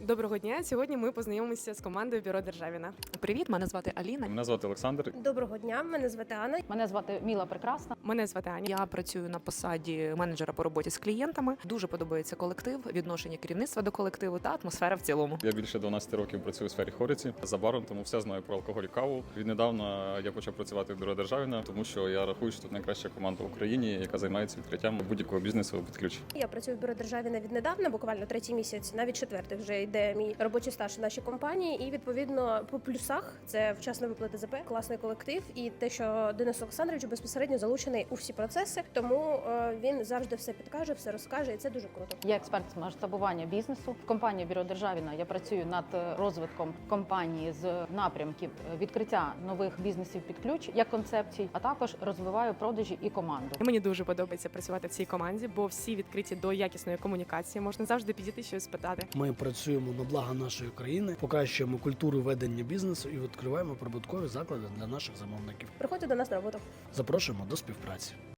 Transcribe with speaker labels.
Speaker 1: Доброго дня. Сьогодні ми познайомимося з командою Бюро Державіна.
Speaker 2: Привіт, мене звати Аліна.
Speaker 3: Мене звати Олександр.
Speaker 4: Доброго дня, мене звати Анна.
Speaker 5: Мене звати Міла Прекрасна.
Speaker 1: Мене звати Аня.
Speaker 2: Я працюю на посаді менеджера по роботі з клієнтами. Дуже подобається колектив, відношення керівництва до колективу та атмосфера в цілому.
Speaker 3: Я більше 12 років працюю у сфері хориці за баром, тому все знаю про алкоголь і каву. Віднедавна я почав працювати в Бюро Державіна, тому що я рахую, що тут найкраща команда в Україні, яка займається відкриттям будь-якого бізнесу під ключ.
Speaker 4: Я працюю в Бюро Державіна віднедавна, буквально 3-й місяць, навіть 4-й вже йде мій робочий стаж в нашій компанії. І відповідно по плюсах це вчасна виплата ЗП, класний колектив і те, що Денис Олександрович безпосередньо залучений у всі процеси, тому він завжди все підкаже, все розкаже, і це дуже круто.
Speaker 5: Я експерт з масштабування бізнесу. В компанії Бюро Державіна я працюю над розвитком компанії з напрямків відкриття нових бізнесів під ключ як концепцій, а також розвиваю продажі і команду.
Speaker 1: Мені дуже подобається працювати в цій команді, бо всі відкриті до якісної комунікації. Можна завжди підійти щось спитати.
Speaker 6: Ми працюємо на благо нашої країни, покращуємо культуру ведення бізнесу і відкриваємо прибуткові заклади для наших замовників.
Speaker 4: Приходьте до нас на роботу.
Speaker 6: Запрошуємо до співпраці.